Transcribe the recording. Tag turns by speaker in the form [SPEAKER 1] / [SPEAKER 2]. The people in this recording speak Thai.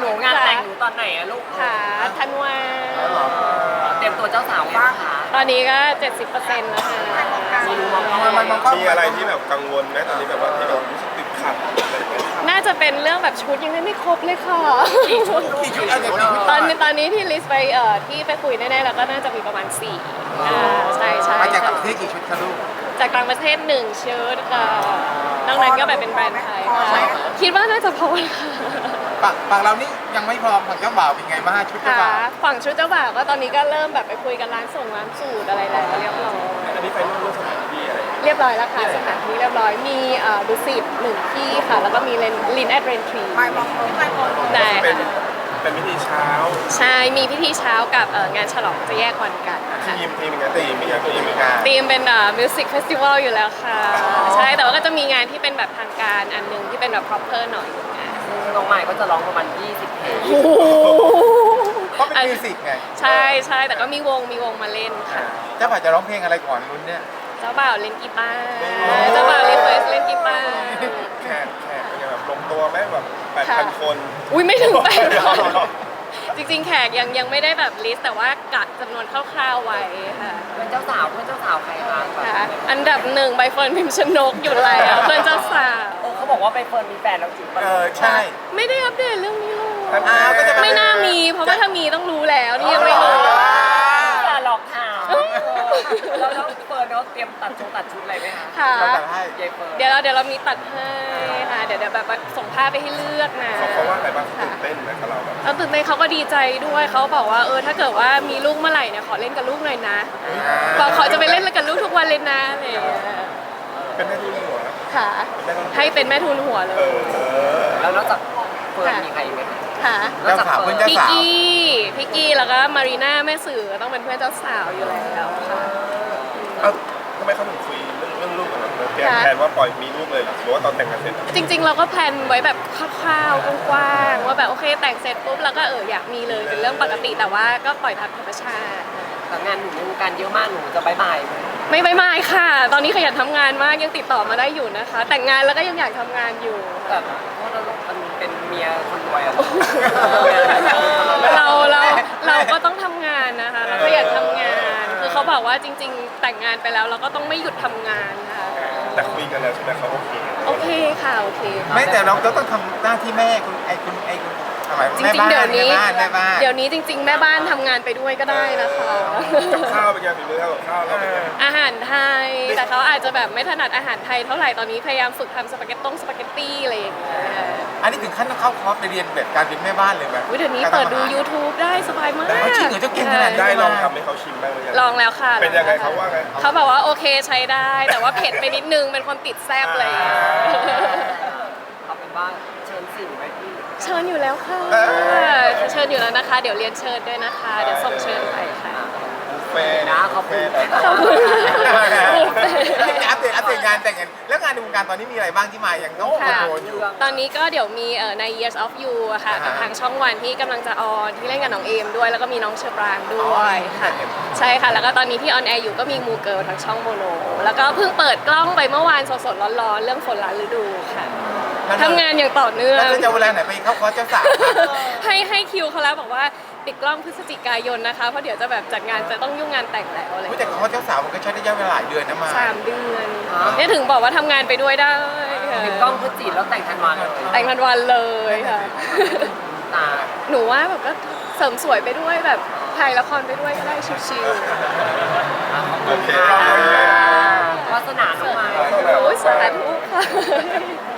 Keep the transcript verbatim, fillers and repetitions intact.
[SPEAKER 1] นูงานแต่งหนูตอนไหนอะลูก
[SPEAKER 2] ค่ะธันวา
[SPEAKER 1] เตรียมตัวเจ้าสาวบ้างค่ะ
[SPEAKER 2] ตอนนี้ก็ เจ็ดสิบเปอร์เซ็นต์ แล้วค่ะ
[SPEAKER 3] มีอะไรที่แบบกังวลไหมตอนนี้แบบว่าที่แบบรู้สึกติดขัดอะไรอย่างเงี้ย
[SPEAKER 2] น่าจะเป็นเรื่องแบบชุดยังไม่ครบเลยค่ะ
[SPEAKER 3] กี่ชุดอะไรกี่ชุด
[SPEAKER 2] ตอนนี้ตอนนี้ที่ลิสต์ไปเอ่อที่ไปคุยแน่ๆแล้วก็น่าจะมีประมาณสี่อ่าใช่ใช่
[SPEAKER 4] มาจากต่างประเทศกี่ชุดคะลูก
[SPEAKER 2] จากต่างประเทศหนึ่งชุดค่ะนอกนั้นก็แบบเป็นแบรนด์ไทยค่ะคิดว่าน่าจะพอค่ะ
[SPEAKER 4] ฝั่งฝั่งเรานี่ยังไม่พร้อมฝั่งเจ้าบ่าวเป็นไงบ้างชุดเจ้า
[SPEAKER 2] ค่ะ
[SPEAKER 4] บ่าว
[SPEAKER 2] ฝั่งชุดเจ้าบ่าวก็ตอนนี้ก็เริ่มแบบไปคุยกันร้านส่งร้านสูตรอะไรแล้วเรียบร้อย
[SPEAKER 3] อันนี้ไฟนอลเรื่องสถานที่อะไร
[SPEAKER 2] เรียบร้อยแล้วค่ะสถานที่เรียบร้อยมีเอ่อดุสิตหนึ่งที่ค่ะแล้วก็มีเลนลินแอดเรนทรี
[SPEAKER 5] ไปมองไปมอง
[SPEAKER 2] ได้
[SPEAKER 3] เป็น
[SPEAKER 2] ค่ะ
[SPEAKER 3] เป็นพิธีเช้า
[SPEAKER 2] ใช่มีพิธีเช้ากับเอ่องานฉลองจะแยกวันกันค่ะ
[SPEAKER 3] ทีมทีมเป็นไงทีมเป็นไงทีมเป็นไง
[SPEAKER 2] ธีมเป็นมิวสิกเฟสติวัลอยู่แล้วค่ะ ใช่แต่ว่าก็จะมีงานที่เป็นแบบทางการอันหนึงที่เป็นแบบ proper หน่อยงาน
[SPEAKER 1] น้องใหม่ก็จะร้องประมาณยี่สิบเพลง
[SPEAKER 2] โอ้โห
[SPEAKER 4] เพราะเป็นมิวสิกไง
[SPEAKER 2] ใช่ใช่แต่ก็มีวงมีวงมาเล่นค่ะ
[SPEAKER 4] เจ้าบ่าวจะร้องเพลงอะไรก่อนรุ่นเนี่ย
[SPEAKER 2] เจ้าบ่าวเล่นกีตาร์เจ้าบ่าวรีเควสเล่นกีตาร์
[SPEAKER 3] แขกแขกเป็นไงแบบลงตัวไหมแบบแปดพันคน
[SPEAKER 2] อุ้ยไม่ถึงแปดพันจริงๆแขกยังยังไม่ได้แบบลิสต์แต่ว่ากะจำนวนคร่าวๆไว้ค่ะ
[SPEAKER 1] เพื่อนเจ้าสาวเพื่อนเจ้าสาวใครคะ
[SPEAKER 2] ค่ะอันดับหนึ่งใบเฟิร์นพิมพ์ชนกอยู่แล้วเพื่อนเจ้าสาว
[SPEAKER 1] โอ้เขาบอกว่าไปเฟิร์นมีแฟนแล้วจริงปะ
[SPEAKER 4] เออใช่
[SPEAKER 2] ไม่ได้อัปเดตเรื่องนี้เลย
[SPEAKER 4] อ้าวก็จะ
[SPEAKER 2] ไม่น่ามี เพราะว่าถ้ามีต้องรู้แล้วนี่ยังไม่รู้
[SPEAKER 1] อย่าหลอกถามแล้วแล้วเฟิร์นเขาเตรียมตัดชุดตัดชุดอะไรไหมคะ
[SPEAKER 2] ค่ะ
[SPEAKER 4] เราแต่ให้
[SPEAKER 1] ยายเฟิร์น
[SPEAKER 2] เดี๋ยวเราเดี๋ยวเรามีตัดให้ค่ะเดี๋ยวเดี๋ยวแบบว่าส่งภาพไปให้เลือกนะ
[SPEAKER 3] เขาเขาว่าอะไรบ้างเขาตื่นเต้นไหมกับเราแบบ
[SPEAKER 2] เอาตื่นเต้นเขาก็ดีใจด้วยเขาบอกว่าเออถ้าเกิดว่ามีลูกเมื่อไหร่เนี่ยขอเล่นกับลูกหน่อยนะบอกขอจะไปเล่นกับลูกทุกวันเลยนะอะไรอย่างเงี้ย
[SPEAKER 3] เป็นแม่ทุนหัว
[SPEAKER 2] ค่ะ ให้เป็นแม่ทุนหัวเล
[SPEAKER 3] เอย อ
[SPEAKER 1] แล้วนอกจากเฟิร์นมีใครอีกไหมคะ
[SPEAKER 2] ค่ะ
[SPEAKER 1] นอกจาก
[SPEAKER 4] เจ้าสาว
[SPEAKER 1] เฟิ
[SPEAKER 4] เพื่
[SPEAKER 1] ร์
[SPEAKER 4] อน
[SPEAKER 1] น
[SPEAKER 4] เจ้า
[SPEAKER 2] พี่กี้พี่กี้แล้วก็มารีน่าแม่สื่อต้องเป็นเพื่อนเจ้าสาวอยู่แล้วค่ะ
[SPEAKER 3] เอ้าทำไมเขาถึงคุยเรื่องเรื่องลูกกันล่ะเตรียมแผนว่าปล่อยมีลูกเลยเหรอหรือว่าตอนแต่งงานเสร็จ
[SPEAKER 2] จริงๆ เราก็แพลนไว้แบบคร่าวๆกว้างๆว่าแบบโอเคแต่งเสร็จปุ๊บแล้วก็เอออยากมีเลยเป็นเรื่องปกติแต่ว่าก็ปล่อยตามธรรมชาติ
[SPEAKER 1] แต่งานหนูในวงการเยอะมากหนูจะบายบายไหม
[SPEAKER 2] ไม่ไม่ไม่ค่ะ ตอนนี้ขยันทำงานมากยังติดต่อมาได้อยู่นะคะ แต่งงานแล้วก็ยังอยากทำงานอยู่
[SPEAKER 1] แบบเพราะเรามันเป็นเมียคนรวยอะ
[SPEAKER 2] เราเราเราก็ต้องทำงานนะคะเราก็อยากทำงาน คือเขาบอกว่าจริง ๆ แต่งงานไปแล้วเราก็ต้องไม่หยุดทำงานค่ะ
[SPEAKER 3] แต่คุยกันแล้วใช่ไหมเขาโอเค
[SPEAKER 2] โอเคค่ะโอเค
[SPEAKER 4] ไม่แต่เราก็ต้องทำหน้าที่แม่คุณไอ้คุณไอ้คุณทำไม
[SPEAKER 2] จ
[SPEAKER 4] แม่
[SPEAKER 2] ริงๆ
[SPEAKER 4] บ้า
[SPEAKER 2] เดี๋ยวน นี้
[SPEAKER 4] แม่บ้านแม่บ้าน
[SPEAKER 2] เดี๋ยวนี้จริง ๆ แม่บ้านทำงานไปด้วยก็ได้นะคะ
[SPEAKER 3] กับข้าวเป็นไงฝีมือทำกับข้าวเราเป็นไง
[SPEAKER 2] อาหารไทย แต่เขาอาจจะแบบไม่ถนัดอาหารไทยเท่าไหร่ตอนนี้พยายามฝึกทำสปาเกตต้งสปาเกตตี้อะไรอย่างเงี้ย
[SPEAKER 4] อันนี้ถึงขั้นต้องเข้าคอร์สไปเรียนแบบการเป็นแม่บ้านเลยไหม
[SPEAKER 2] อุ๊ยเดี๋ยวนี้เปิดดู YouTube ได้สบายมาก
[SPEAKER 4] ได้จริงเหรอเจ้าเก่งขนาดนี้
[SPEAKER 3] ได้ลองทำให้เขาชิมบ้างหรือยัง
[SPEAKER 2] ลองแล้วค่ะ
[SPEAKER 3] เป็นยังไงเขาว่าไง
[SPEAKER 2] เขาบอกว่าโอเคใช้ได้ แต่ว่าเผ็ดไปนิดนึงเป็นคนติดแซ่บเลย
[SPEAKER 1] เอาเป็นว่าเชิญสื่อไปที่
[SPEAKER 2] เชิญอยู่แล้วค่ะเชิญอยู่แล้วนะคะ เดี๋ยวเรียนเชิญด้วยนะคะ เดี๋ยวส่งเชิญไปค่ะ
[SPEAKER 3] บุฟเฟ่ต์
[SPEAKER 1] นะขอบคุณ
[SPEAKER 2] ขอบคุณ
[SPEAKER 4] อัปเดตอัปเดตงานแต่งงานแล้วงานในวงการตอนนี้มีอะไรบ้างที่มาอย่างน้องคอนโทรลอยู่
[SPEAKER 2] ตอนนี้ก็เดี๋ยวมีเอ่อใน Years of You อะค่ะกับ
[SPEAKER 4] อ่าฮะ
[SPEAKER 2] ทางช่องวันที่กำลังจะออนที่เล่นกับน้องเอมด้วย แล้วก็มีน้องเชอปรางด้ว
[SPEAKER 4] อ๋
[SPEAKER 2] ย
[SPEAKER 4] อ
[SPEAKER 2] ค่ะ
[SPEAKER 4] เห็น
[SPEAKER 2] ใช่ค่ะ แล้วก็ตอนนี้ที่ออนแอร์อยู่ก็มีมูเกิลทางช่องโมโน แล้วก็เพิ่งเปิดกล้องไปเมื่อวานสดๆร้อนๆ เรื่องฝนล้านฤดูค่ะทำงานอย่างต่อเนื่อง
[SPEAKER 4] แล้วจะเวลาไหนไปเข้าคอร์สเจ้าสาว
[SPEAKER 2] ให้ให้คิวเขาแล้วบอกว่าปิดกล้องพฤศจิกายนนะคะ เพราะเดี๋ยวจะแบบจัดงานจะต้องยุ่งงานแต่งแล้วอะไรอย่าง
[SPEAKER 4] รู้
[SPEAKER 2] เงี้ย
[SPEAKER 4] แต่คอร์สเจ้าสาวมันก็ใช้ระยะเวลาหลายเดือนนะมา
[SPEAKER 2] สามเดือนเนี่ยถึงบอกว่าทำงานไปด้วยได้ค่ะ
[SPEAKER 1] ปิดกล้องพฤศจิแล้วแต่งทันวันเลย
[SPEAKER 2] แต่งทันวันเลยค่ะ
[SPEAKER 1] ตา
[SPEAKER 2] หนูว่าแบบก็เสริมสวยไปด้วยแบบถ่ายละครไปด้วยก็ได้ชิว
[SPEAKER 3] โอเค
[SPEAKER 1] วาสนาน้องไม้
[SPEAKER 2] ๆโอ้ยสาธุค่ะ